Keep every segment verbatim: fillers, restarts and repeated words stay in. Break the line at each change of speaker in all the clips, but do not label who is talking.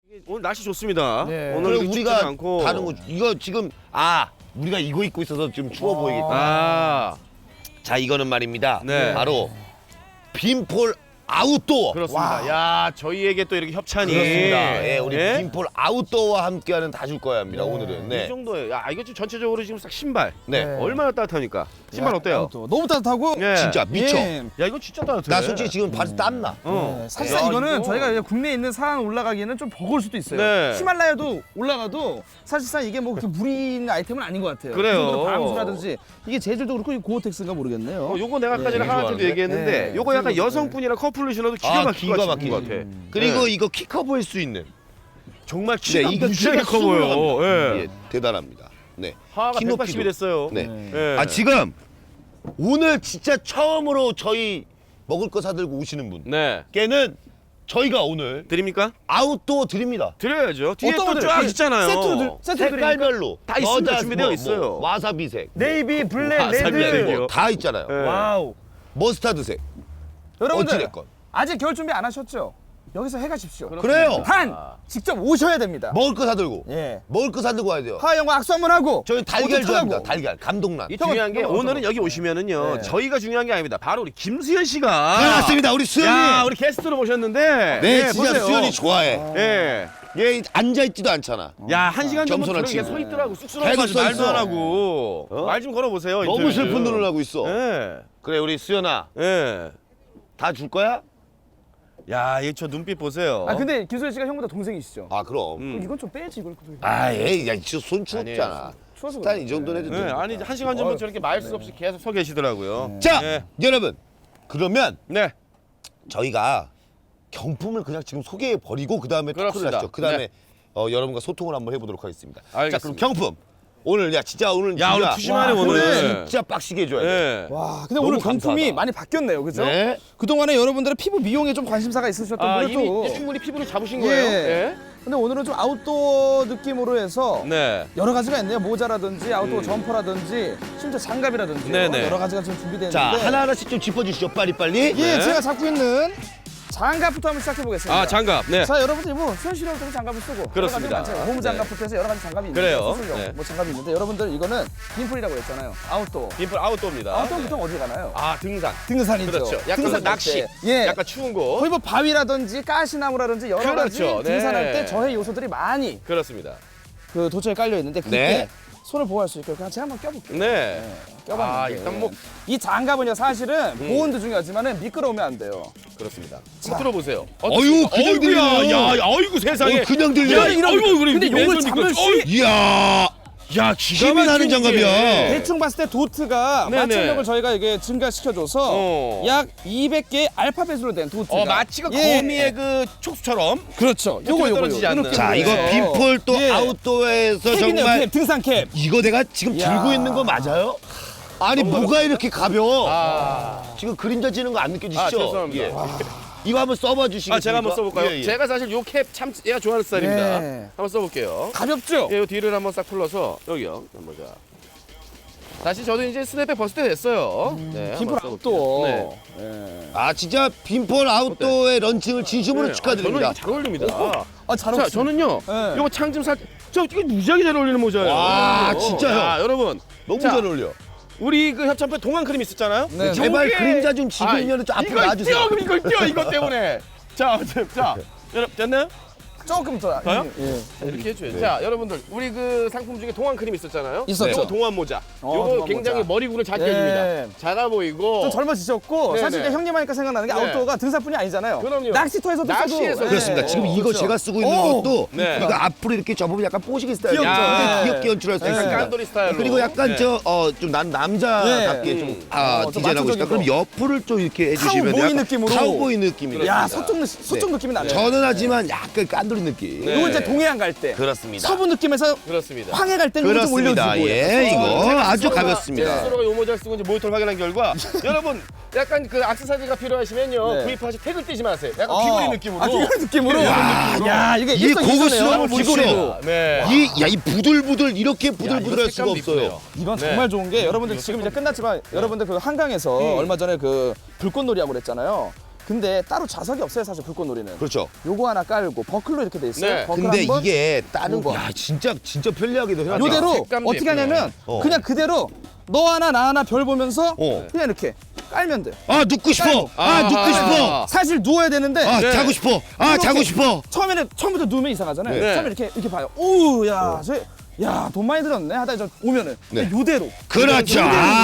오늘 날씨 좋습니다.
네.
오늘
그리고 우리가
않고.
다른 거 이거 지금 아 우리가 이거 입고 있어서 좀 추워 보이겠다.
아,
자 이거는 말입니다.
네.
바로 빈폴 아웃도어.
그렇습니다. 야, 저희에게 또 이렇게 협찬이.
그렇습니다. 예, 우리
예?
빈폴 아웃도어와 함께하는 다 줄 거야 합니다. 오늘은.
이
네.
정도예요. 야, 이거 지금 전체적으로 지금 딱 신발.
네.
네.
얼마나 따뜻합니까? 신발 어때요?
또 너무 따뜻하고
예.
진짜 미쳐.
예.
야, 이거 진짜 따뜻해.
나 솔직히 지금 발이 땀나.
어.
네, 사실상
야,
이거는
이거.
저희가 이제 국내에 있는 산 올라가기에는 좀 버거울 수도 있어요.
네.
히말라야도 올라가도 사실상 이게 뭐 그렇게 무리 있는 아이템은 아닌 것 같아요.
그래요.
그 정도로 방수라든지 이게 재질도 그렇고 이 고어텍스인가 모르겠네요.
어, 요거 내가 아까 전에
예.
하나한테도
좋아하는데?
얘기했는데
네.
요거 약간
그리고,
여성분이랑 커플로 신어도 기가
아,
막히게
기가
막힌 것
막히게.
같아.
그리고
네.
이거 키 커 보일 수 있는.
정말
네,
키가
이거
무지하게
키가
커 보여.
수월합니다.
예.
예, 대단합니다. 네.
하하가
키
백팔십이
높이도.
됐어요.
네.
네.
예.
아 지금 오늘 진짜 처음으로 저희 먹을 거 사들고 오시는
네.
분께는 저희가 오늘
드립니까?
아웃도어 드립니다.
드려야죠. 뒤에
어떤
또
거죠?
쫙
예.
있잖아요.
세트로 들- 세트로 드리니까
색깔별로
다 있습니다.
여자,
준비되어
뭐,
있어요.
뭐, 와사비색,
네이비, 블랙,
와사비
레드.
아니고.
뭐, 다 있잖아요.
예.
와우.
머스타드색.
여러분들
어찌됐건.
아직 겨울 준비 안 하셨죠? 여기서 해가십시오.
그래요.
단 직접 오셔야 됩니다.
먹을 거 사들고.
예.
먹을 거 사들고 와야 돼요.
하하 형과 악수 한번 하고.
저희 달걀
옷도
좋아합니다.
타고.
달걀. 감동란.
이 중요한 게
형은
오늘은 여기 오시면은요.
네.
저희가 중요한 게 아닙니다. 바로 우리 김수현 씨가.
네, 맞습니다. 우리 수현이.
야, 우리 게스트로 모셨는데.
네,
예,
진짜
보세요.
수현이 좋아해.
예.
얘 앉아있지도 않잖아.
야, 한 시간 정도
겸손한
저렇게
친구.
서 있더라고. 쑥스러워가지고
계속 서
말도
있어.
안 하고.
어?
말 좀 걸어보세요.
너무
인터뷰.
슬픈 눈을 하고 있어.
예.
그래, 우리 수현아.
예.
다 줄 거야?
야, 이 저 눈빛 보세요.
아 근데 김소연 씨가 형보다 동생이시죠?
아, 그럼.
음.
이건 좀 빼야지 이걸.
아, 에이, 야, 진짜 손 추웠잖아.
추워서
일단
그래.
이 정도는 해도
예,
돼.
아니 한 시간 전부터 저렇게 말 수 없이 계속 서 계시더라고요.
자,
예.
여러분. 그러면
네.
저희가 경품을 그냥 지금 소개해 버리고 그 다음에 토크를
그렇습니다.
하시죠. 그 다음에
네.
어, 여러분과 소통을 한번 해보도록 하겠습니다. 자, 그럼
알겠습니다.
경품 오늘 야 진짜 오늘
야, 오늘
진짜
푸짐하네,
와,
오늘.
진짜 빡시게 해줘야 돼.
예.
와 근데
너무
오늘 경품이
감사하다.
많이 바뀌었네요, 그죠?
네.
그동안에 여러분들은 피부 미용에 좀 관심사가 있으셨던
아,
분들도
이미 이제 충분히 피부를 잡으신
예.
거예요. 예.
근데 오늘은 좀 아웃도어 느낌으로 해서
네.
여러 가지가 있네요. 모자라든지 아웃도어 점퍼라든지 심지어 장갑이라든지
네네.
여러 가지가 지금 준비되어
자
있는데
하나하나씩 좀 짚어주시죠. 빨리 빨리.
예,
네.
제가 잡고 있는 장갑부터 한번 시작해 보겠습니다.
아, 장갑. 네.
자, 여러분들이 뭐 현실적으로 장갑을 쓰고
그렇습니다.
여러 가지가 많잖아요. 고무 장갑부터 해서 여러 가지 장갑이 있는데
그래요.
수술용
네.
뭐 장갑이 있는데 여러분들 이거는 빈풀이라고 했잖아요. 아웃도어.
빈풀 아웃도어입니다.
아웃도어 보통 어디 가나요?
아, 등산.
등산이죠.
그렇죠. 약간
등산 갈
낚시.
때. 예.
약간 추운 곳.
거의 뭐 바위라든지 가시나무라든지 여러 가지
그렇죠. 네.
등산할 때 저해 요소들이 많이
그렇습니다.
그 도처에 깔려 있는데 그때
네.
손을 보호할 수 있게 그냥 제가 한번 껴볼게요.
네.
껴봤는데
아, 일단 뭐
이 장갑은요 사실은 보온도 중요하지만은 미끄러우면 안 돼요.
그렇습니다. 자, 들어보세요.
어유, 그냥
어이구야.
들리네요.
야, 어이구 세상에.
어, 그냥 들려.
야,
이런-
어이구, 그래.
근데 요걸
왼손
잡을
이거-
수-
어이,
이야.
야, 기가
힘이 나는
막힌
장갑이야.
게.
대충 봤을 때 도트가
네네.
마찰력을 저희가 이게 증가시켜줘서
어.
약 이백 개의 알파벳으로 된 도트가
어, 마치가
예.
거미의 그 촉수처럼.
그렇죠. 요거 요거
떨어지지 않는.
이렇게
자 이거
보여요.
빈폴 또
예.
아웃도어에서
캡이네요,
정말
캡, 등산 캡.
이거 내가 지금
야.
들고 있는 거 맞아요? 아니 뭐가 이렇게 가벼워?
아.
지금 그림자 지는 거 안 느껴지시죠?
아, 죄송합니다.
예. 이거 한번 써봐 주시겠습니까?
아, 제가 한번 써볼까요?
예, 예.
제가 사실 요 캡 참 얘가 좋아하는 스타일입니다.
예.
한번 써볼게요.
가볍죠?
예, 요 뒤를 한번 싹 풀러서 여기요. 한번 자. 다시 저도 이제 스냅백 벗을 때 됐어요. 네,
빈풀
한번 써볼게요.
아웃도어.
네.
예.
아 진짜 빈폴 아웃도어의 런칭을 진심으로
네.
축하드립니다.
아, 저는 이거 잘 어울립니다.
아, 잘
자,
어울리시네.
저는요.
네.
요거 창 좀 살. 저 이게 무지하게 잘 어울리는 모자예요.
와,
어,
진짜요?
자, 여러분.
너무
자,
잘 어울려.
우리 그 협찬표 동안 크림 있었잖아요.
네.
제발
요게-
그림자 좀 지고
아,
있는 좀 앞으로
이걸
놔주세요.
띄워, 그럼 이걸 띄워 이것 때문에. 자, 자, 자, 여러분 됐나요?
조금 더.
더요?
예.
자, 이렇게 해줘요. 자, 여러분들 우리 그 상품 중에 동안 크림 있었잖아요.
있었죠.
요거 동안 모자.
어,
요거
동안
굉장히
모자.
머리굴을 작게
예.
해줍니다. 작아 보이고.
좀 젊어지셨고
네네.
사실 이제 형님 하니까 생각나는 게
네.
아웃도어가 등산뿐이 아니잖아요.
그럼요.
낚시터에서도
낚시에서
써도.
그렇습니다.
예.
지금 이거
그렇죠.
제가 쓰고 있는
오!
것도
네.
이거 앞으로 이렇게 접으면 약간 뽀시기 스타일.
귀엽죠.
굉장히
네.
귀엽게 연출할 수
네.
있습니다.
깐돌이 스타일로.
그리고 약간
네.
저 어 좀 난 남자답게
네.
좀
음.
아,
어, 좀
디자인하고 싶다.
마초적인
그럼
거.
옆을 좀 이렇게 해주시면
카우보이
약간
느낌으로.
카우보이 느낌이다.
야,
그렇습니다.
서쪽 서쪽 느낌이 나네요.
저는 하지만 약간 깐돌이 느낌.
네.
이거 이제 동해안 갈 때.
그렇습니다.
서부 느낌에서
그렇습니다.
황해 갈 때는 좀
그렇습니다.
올려주고.
예, 이거
제가
아주
스스로가-
가볍습니다.
제가 스스로가 요 모자를 쓰고 이제 모니터를 확인한 결과 여러분 약간 그 액세서리가 필요하시면요
네.
구입하시 태그 띄지 마세요. 약간
어.
귀걸이 느낌으로.
아, 귀걸이 느낌으로.
야,
야, 이게
이
일석이조네요.
고급스러움을 보십시오.
귀걸이로.
네.
이 야 이 부들부들 이렇게
야,
부들부들할
이거
수가
색감도
없어요.
이쁘네요.
이건
네.
정말 좋은 게 여러분들 지금 이제 끝났지만 여러분들 그 한강에서
음.
얼마 전에 그 불꽃놀이 하고 그랬잖아요. 근데 따로 좌석이 없어요 사실 불꽃놀이는.
그렇죠.
요거 하나 깔고 버클로 이렇게 돼 있어요.
네.
버클
근데
한 번,
이게 다른
두 번.
야 진짜 진짜 편리하기도 해요.
요대로
색감도
어떻게
예쁘네.
하냐면
어.
그냥 그대로 너 하나 나 하나 별 보면서
어.
그냥 이렇게 깔면 돼.
아 눕고 싶어. 아
아,
눕고
아,
싶어.
사실 누워야 되는데
아
네.
자고 싶어. 아
이렇게
자고 싶어.
처음에는 처음부터 누우면 이상하잖아요.
네.
처음에 이렇게 이렇게 봐요. 오우 야, 저, 야, 돈 많이 들었네. 하다 저 오면은
네.
요대로.
그렇죠.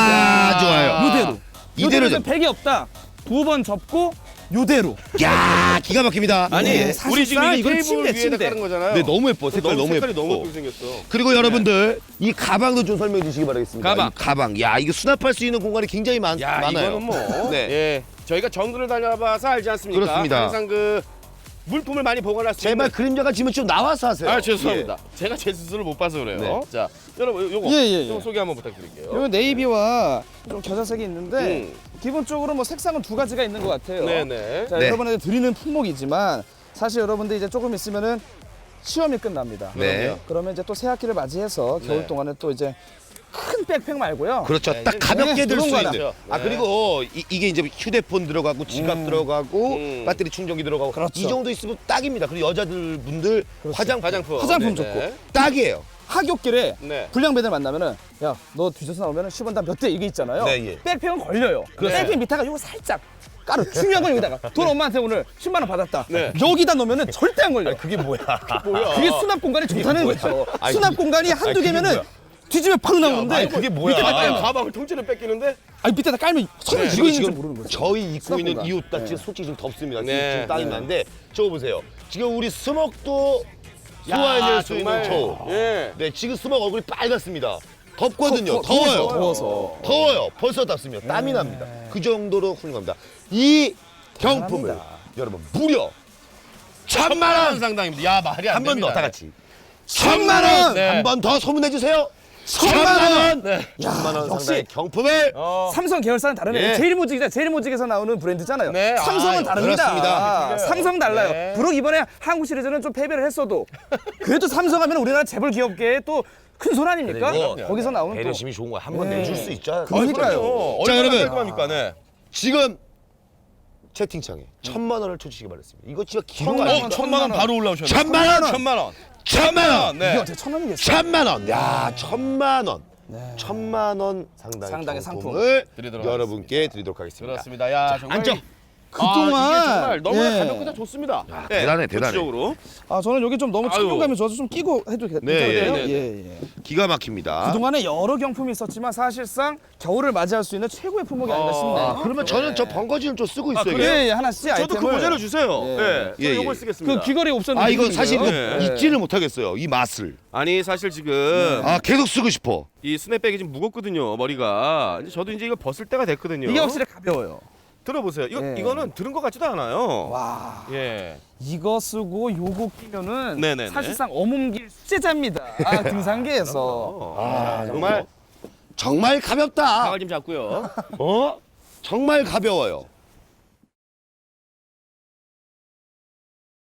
아 좋아요.
요대로.
이대로
요대로
좀.
백이 없다. 두 번 접고 요대로.
야 기가 막힙니다.
아니
예,
우리 지금
사실상
이
이건
테이블
침대,
위에다
침대.
깔은 거잖아요.
네 너무 예뻐. 색깔 너무,
색깔이
예쁘고.
너무 예쁘게 생겼어.
그리고 여러분들 이 가방도 좀 설명해 주시기 바라겠습니다.
가방.
이 가방. 야 이거 수납할 수 있는 공간이 굉장히 많,
야
많아요.
이거는 뭐
네.
예, 저희가 정글을 다녀봐서 알지 않습니까?
그렇습니다.
항상 그 물품을 많이 보관할 수
제발
있는.
그림자가 지면 좀 나와서 하세요.
아 죄송합니다. 제가 제 스스로를 못 봐서 그래요.
네.
자 여러분 요- 요거
예, 예, 예.
좀 소개 한번 부탁드릴게요.
요 네이비와 좀 겨자색이 있는데
음.
기본적으로 뭐 색상은 두 가지가 있는 것 같아요.
네네.
자,
네.
여러분한테 드리는 품목이지만 사실 여러분들 이제 조금 있으면은 시험이 끝납니다.
네.
그러면 이제 또 새학기를 맞이해서 겨울
네.
동안에 또 이제 큰 백팩 말고요.
그렇죠.
네,
딱
이제
가볍게
네,
들 수
그런
있는.
거나.
아
네.
그리고 이, 이게 이제 휴대폰 들어가고 지갑 들어가고
음.
배터리 충전기 들어가고
그렇죠.
이 정도 있으면 딱입니다. 그리고 여자들 분들 화장품,
화장품.
화장품
네네.
좋고.
딱이에요.
하굣길에
네.
불량배들 만나면은 야 너 뒤져서 나오면은 십 원 다 몇 대 이게 있잖아요.
네, 예.
백팩은 걸려요.
그렇죠.
백팩 밑에가 요거 살짝 까르. 중요한 건 여기다가 돈 엄마한테 오늘 십만 원 받았다.
네.
여기다 놓으면은 절대 안 걸려.
그게 뭐야?
뭐야?
그게 수납 공간이 좋다는
뭐야?
거죠.
아니,
수납
그게-
공간이 한두
아니, 그게
개면은
뭐야?
뒤집어 팍 나오는데
아니, 그게 뭐야?
밑에다
아니,
깔면
가방을 통째로 뺏기는데?
아니 밑에다 깔면 손을
네.
쥐고
그리고
있는지
지금
모르는 거죠.
저희 입고
수납
있는
공간.
이 옷 딱
네.
지금 솔직히 좀 덥습니다.
네.
지금 땀이
네.
나는데 저거 보세요. 지금 우리 스먹도 소화해낼 수 있는 저.
예.
네, 지금 스먹 얼굴이 빨갛습니다. 덥거든요.
더- 더-
더워요.
더워서.
더워요. 벌써 덥습니다. 땀이 납니다. 그 정도로 훌륭합니다. 이 경품을
대단합니다.
여러분 무려 천만 원
상당입니다. 야 말이 안
한 번
됩니다.
더 다 같이 천만 원
네.
한 번 더 소문내 주세요. 천만 원.
네.
천만 원
역시.
상당의 경품을
어.
삼성 계열사는 다르네.
예.
제일모직이자 제일모직에서 나오는 브랜드잖아요.
네.
삼성은
아,
다릅니다.
그렇습니다.
삼성 달라요.
네.
비록 이번에 한국 시리즈는 좀 패배를 했어도 그래도 삼성 하면 우리나라 재벌 기업계의 또 큰 손 아닙니까?
그리고
거기서 나오는 또
배려심이 좋은 거야. 한 번
네.
내줄 수 있죠.
그러니까요.
어,
자,
얼마나
여러분.
깔끔합니까? 네.
지금 채팅창에 천만 원을 쳐주시기 바랍니다. 이거 진짜 기록
천만
아니에요?
원,
천만 원 바로 올라오셨네.
천만 원!
천만 원.
천만 원!
네.
이게 어떻게 천 원이겠어요?
천만 원! 야, 천만 원! 천만 원 상당의,
상당의
상품을
드리도록
여러분께 드리도록 하겠습니다.
그렇습니다. 야 정말
앉아.
이-
그동안
아, 이게 정말 너무나
예.
가볍고 다 좋습니다. 네,
대단해, 대단해.
구체적으로.
아 저는 여기 좀 너무
아유.
착용감이 좋아서 좀 끼고 해도 괜찮아요?
네,
네, 네.
예, 예.
기가 막힙니다.
그동안에 여러 경품이 있었지만 사실상 겨울을 맞이할 수 있는 최고의 품목이 아닌가 싶네요.
아, 그러면 저는 저 번거지를 좀 쓰고 있어요.
그래요?
예, 예, 하나씩
저도
아이템을
그 모자를 주세요.
예.
예. 저는
예, 예.
이걸 쓰겠습니다.
그 귀걸이 옵션
아, 이거 사실 이거
네.
잊지를 못하겠어요. 이 맛을.
아니 사실 지금
아, 계속 쓰고 싶어.
이 스냅백이 좀 무겁거든요. 머리가. 이제 저도 이제 이거 벗을 때가 됐거든요.
이게 확실히 가벼워요.
들어보세요. 이거
예.
이거는 들은 것 같지도 않아요.
와,
예.
이거 쓰고 요거 끼면은
네네네.
사실상 어몽길 수제자입니다. 아, 등산계에서.
아, 정말
정말 가볍다.
가을 좀 잡고요.
어? 정말 가벼워요.